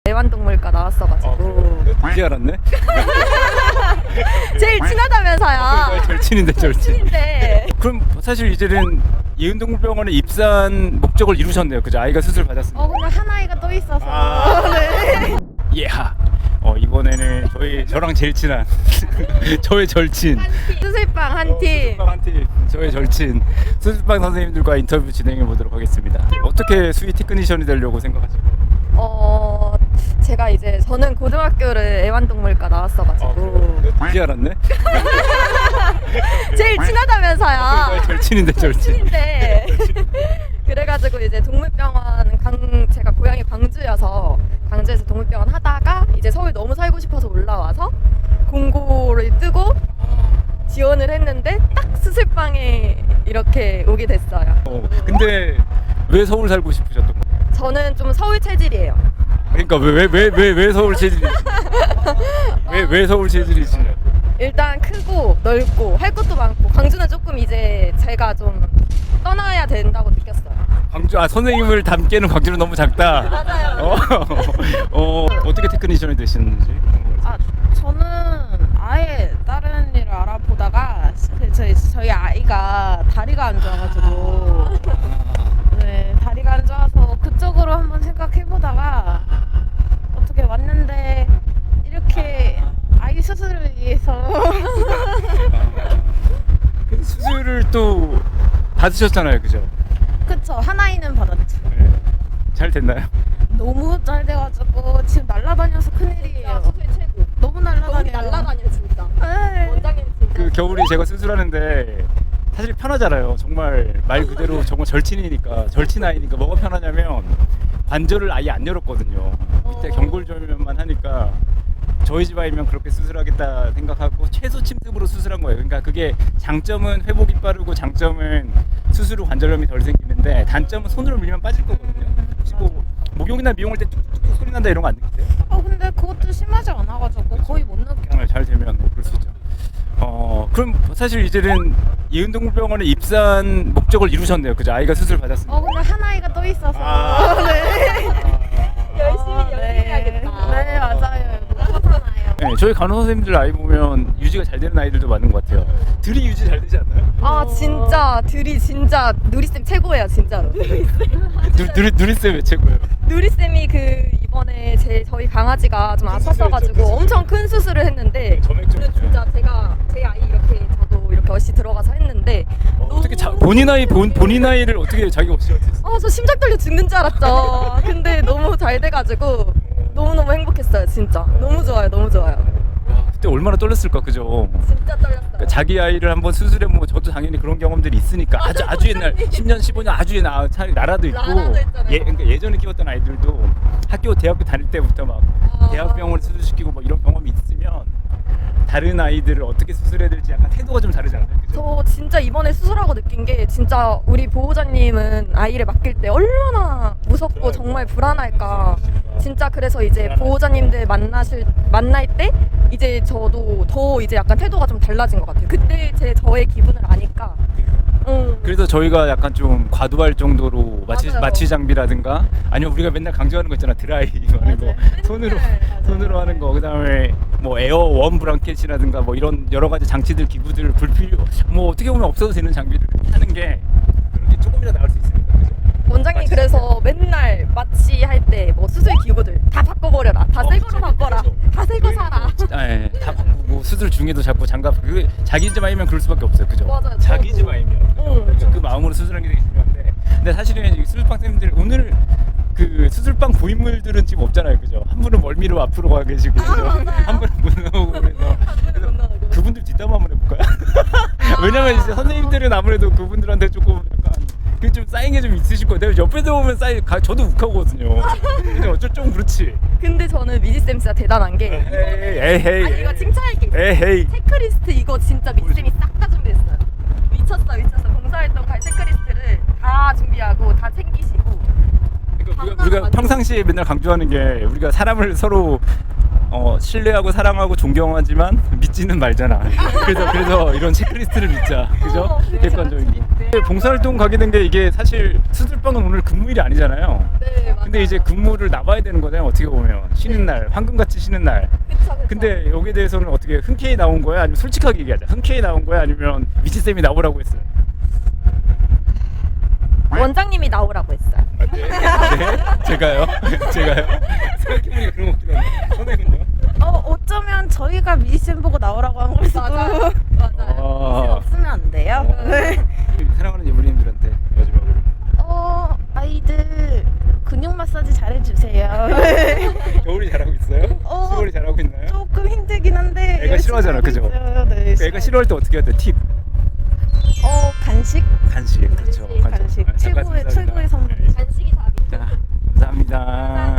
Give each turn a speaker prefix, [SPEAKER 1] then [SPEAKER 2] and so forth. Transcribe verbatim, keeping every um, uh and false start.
[SPEAKER 1] 애완동물과 나왔어가지고
[SPEAKER 2] 이제 알았네?
[SPEAKER 1] 제일 친하다면서요.
[SPEAKER 2] 절친인데 절친.
[SPEAKER 1] 친인데
[SPEAKER 2] 그럼 사실 이제는 예은동물병원에 입사한 목적을 이루셨네요. 그죠? 아이가 수술 받았습니다.
[SPEAKER 3] 어 근데 한 아이가 또 있어서
[SPEAKER 2] 아.
[SPEAKER 3] 네.
[SPEAKER 2] 예하. 어 이번에는 저희 저랑 제일 친한 저의 절친
[SPEAKER 1] 수술방 한 팀.
[SPEAKER 2] 수술방 한 팀, 저의 절친 수술방 선생님들과 인터뷰 진행해 보도록 하겠습니다. 어떻게 수의 테크니션이 되려고 생각하시고?
[SPEAKER 1] 어 제가 이제 저는 고등학교를 애완동물과 나왔어가지고
[SPEAKER 2] 이제 알았네?
[SPEAKER 1] 제일 친하다면서요.
[SPEAKER 2] 절친인데 절친.
[SPEAKER 1] 친인데 그래가지고 이제 동물병원 강 제가 고향이 광주여서 광주에서 동물병원 하다가 이제 서울 너무 살고 싶어서 올라와서 공고를 뜨고 지원을 했는데 딱 수술방에 이렇게 오게 됐어요.
[SPEAKER 2] 어, 근데 왜 서울 살고 싶으셨던 거예요?
[SPEAKER 1] 저는 좀 서울 체질이에요.
[SPEAKER 2] 그러니까 왜 왜 왜 왜 서울 체질이? 왜왜 서울 체질이시냐?
[SPEAKER 1] 일단 크고 넓고 할 것도 많고 광주는 조금 이제 제가 좀 떠나야 된다고 느꼈어요.
[SPEAKER 2] 광주 아 선생님을 담기에는 광주는 너무 작다.
[SPEAKER 1] 맞아요.
[SPEAKER 2] 어, 어 어떻게 테크니션이 되시는지.
[SPEAKER 3] 아 저는 아예 다른 일을 알아보다가 저희, 저희 아이가 다리가 안 좋아가지고 네 다리가 안 좋아서 그쪽으로 한번 생각해보다가 어떻게 왔는데 이렇게 아이 수술을 위해서
[SPEAKER 2] 그 수술을 또 받으셨잖아요, 그죠?
[SPEAKER 3] 그쵸 한 아이는 받았죠.
[SPEAKER 2] 네. 잘 됐나요?
[SPEAKER 3] 너무 잘 돼가지고 지금 날라다녀서 큰일이에요.
[SPEAKER 1] 수술 최고.
[SPEAKER 3] 너무 날라다녀요.
[SPEAKER 1] 날라다녀 진짜.
[SPEAKER 3] 네.
[SPEAKER 1] 원장님 진짜.
[SPEAKER 2] 그 겨울에 제가 수술하는데 사실 편하잖아요. 정말 말 그대로 정말 절친이니까 절친 아이니까 뭐가 편하냐면 관절을 아예 안 열었거든요. 밑에
[SPEAKER 1] 어.
[SPEAKER 2] 경골절면만 하니까 저희 집 아이면 그렇게 수술하겠다 생각하고 최소 침습으로 수술한 거예요. 그러니까 그게 장점은 회복이 빠르고 장점은 수술 후 관절염이 덜 생기는데 단점은 손으로 밀면 빠질 거거든요. 혹시 뭐 목욕이나 미용할 때 툭툭툭 소리 난다 이런 거 안 느끼세요?
[SPEAKER 3] 어 근데 그것도 심하지 않아가지고 거의 못 느껴요.
[SPEAKER 2] 정말 잘 되면 뭐 그럴 수 있죠. 어 그럼 사실 이제는 예은동물병원에 입사한 목적을 이루셨네요. 그죠? 아이가 수술 받았습니다.
[SPEAKER 3] 어 근데 한 아이가 또 있어서
[SPEAKER 2] 아.
[SPEAKER 3] 네.
[SPEAKER 1] 열심히
[SPEAKER 3] 아,
[SPEAKER 1] 연습해야겠다.
[SPEAKER 3] 네, 네 맞아요. 그렇잖아요.
[SPEAKER 2] 네, 저희 간호 선생님들 아이 보면 유지가 잘 되는 아이들도 많은 것 같아요. 들이 유지 잘 되지 않나요?
[SPEAKER 1] 아 진짜 들이 진짜 누리쌤 최고예요 진짜로.
[SPEAKER 2] 누, 누리 누리쌤 왜 최고예요?
[SPEAKER 1] 누리쌤이 그 이번에 제 저희 강아지가 좀 아팠어가지고
[SPEAKER 2] 수술했죠, 큰
[SPEAKER 1] 엄청 큰 수술을 했는데
[SPEAKER 2] 점액
[SPEAKER 1] 저는 진짜 제가 제 아이 이렇게 저도 이렇게 어시 들어가서 했는데
[SPEAKER 2] 어떻게 자, 본인 아이 본 본인 아이를 어떻게 자기 없이 어떻게
[SPEAKER 1] 아 저 심장 떨려 죽는 줄 알았죠. 근데 너무 잘 돼가지고 너무너무 행복했어요 진짜. 너무 좋아요 너무 좋아요.
[SPEAKER 2] 그때 얼마나 떨렸을까 그죠?
[SPEAKER 1] 진짜 떨렸어요.
[SPEAKER 2] 그러니까 자기 아이를 한번 수술해 뭐 저도 당연히 그런 경험들이 있으니까 아주 아주 옛날 십 년 십오 년 아주 옛날 차라리 나라도 있고
[SPEAKER 1] 나라도 있잖아요.
[SPEAKER 2] 예 그러니까 예전에 키웠던 아이들도 학교 대학교 다닐 때부터 막
[SPEAKER 1] 아.
[SPEAKER 2] 대학병원을 수술시키고 뭐 이런 경험이 있으면 다른 아이들을 어떻게 수술해야 될지 약간 태도가 좀 다르지 않나요? 그죠?
[SPEAKER 1] 저 진짜 이번에 수술하고 느낀 게 진짜 우리 보호자님은 아이를 맡길 때 얼마나 무섭고 정말 불안할까. 진짜 그래서 이제 보호자님들 만나실 만날 때 이제 저도 더 이제 약간 태도가 좀 달라진 것 같아요. 그때 제 저의 기분을 아니까. 응.
[SPEAKER 2] 그래서 저희가 약간 좀 과도할 정도로 마취,
[SPEAKER 1] 맞아요.
[SPEAKER 2] 마취 장비라든가 아니면 우리가 맨날 강조하는 거 있잖아 드라이 하는 거 손으로 손으로 하는 거 그다음에 뭐 에어 원 브랑켓이라든가 뭐 이런 여러 가지 장치들 기구들 불필요 뭐 어떻게 보면 없어도 되는 장비를 하는 게 그런 게 조금이라도 나을 수 있으니까 그죠?
[SPEAKER 1] 원장님 그래서 맨날 마취할 때 뭐 수술 기구들 다 바꿔버려라. 다 새 거로 바꿔라. 다 새 거 사라.
[SPEAKER 2] 아, 예, 다 바꾸고 수술 중에도 자꾸 장갑 그 자기 집 아이면 그럴 수밖에 없어요 그죠?
[SPEAKER 1] 맞아요,
[SPEAKER 2] 자기
[SPEAKER 1] 저도.
[SPEAKER 2] 집 아이면
[SPEAKER 1] 응.
[SPEAKER 2] 그래서 그 마음으로 수술하는 게 되게 중요한데 근데 사실은 이 수술방 선생님들 오늘 그 수술방 고인물들은 지금 없잖아요 그죠? 한 분은 멀미로 앞으로 가 계시고 그죠? 한 분은 못 나오고 그래서 그래서 그분들 뒷담화 한번 해볼까요? 왜냐면 이제 선생님들은 아무래도 그분들한테 조금 약간 그 좀 쌓인 게 좀 있으실 거예요. 내가 옆에서 보면 쌓인 가 저도 욱하거든요. 근데 어쩔 좀 그렇지.
[SPEAKER 1] 근데 저는 미지쌤 진짜 대단한 게
[SPEAKER 2] 에이 에이
[SPEAKER 1] 아니 이거 칭찬할 게 있어요.
[SPEAKER 2] 에이
[SPEAKER 1] 체크리스트 이거 진짜 미지쌤이 싹 다 준비했어요. 미쳤어 미쳤어. 봉사활동 갈 체크리스트를 다 준비하고 다 챙기시고.
[SPEAKER 2] 그러니까 우리가, 우리가 평상시에 맨날 강조하는 게 우리가 사람을 서로 어, 신뢰하고 사랑하고 존경하지만 믿지는 말잖아. 그래서 그래서 이런 체크리스트를 믿자, 그죠?
[SPEAKER 1] 어, 그죠.
[SPEAKER 2] 객관적인 거.
[SPEAKER 1] 네.
[SPEAKER 2] 봉사활동 가게 된 게 이게 사실 수술방은 오늘 근무일이 아니잖아요.
[SPEAKER 1] 네, 맞아요.
[SPEAKER 2] 근데 이제 근무를 나와야 되는 거잖아요. 어떻게 보면 쉬는 날, 황금같이 쉬는 날.
[SPEAKER 1] 그쵸, 그쵸.
[SPEAKER 2] 근데 여기에 대해서는 어떻게 흔쾌히 나온 거야? 아니면 솔직하게 얘기하자. 흔쾌히 나온 거야? 아니면 미치 쌤이 나오라고 했어요?
[SPEAKER 1] 원장님이 나오라고 했어요.
[SPEAKER 2] 아, 네. 네? 제가요? 제가요? 생각해보니까 그런 것 같기도 한데. 선생님은요?
[SPEAKER 3] 어 어쩌면 저희가 미니쌤 보고 나오라고 한 걸 수도.
[SPEAKER 1] 맞아요. 맞아요.
[SPEAKER 3] 미니쌤 없으면 안 돼요. 네.
[SPEAKER 2] 사랑하는 예부님들한테 마지막으로.
[SPEAKER 3] 어 아이들 근육 마사지 잘해주세요.
[SPEAKER 2] 겨울이 잘하고 있어요?
[SPEAKER 3] 어.
[SPEAKER 2] 시월이 잘하고 있나요?
[SPEAKER 3] 조금 힘들긴 한데.
[SPEAKER 2] 애가
[SPEAKER 3] 열심히
[SPEAKER 2] 싫어하잖아,
[SPEAKER 3] 하고
[SPEAKER 2] 그죠?
[SPEAKER 3] 있어요. 네,
[SPEAKER 2] 그 애가 싫어할 때 어떻게 해야 돼? 팁.
[SPEAKER 3] 어 간식.
[SPEAKER 2] 간식. 그렇죠.
[SPEAKER 3] 간식. 간식.
[SPEAKER 2] 잠깐
[SPEAKER 3] 최고의
[SPEAKER 2] 감사합니다.
[SPEAKER 3] 최고의 선물.
[SPEAKER 2] 네.
[SPEAKER 1] 간식이 답이.
[SPEAKER 2] 자, 감사합니다.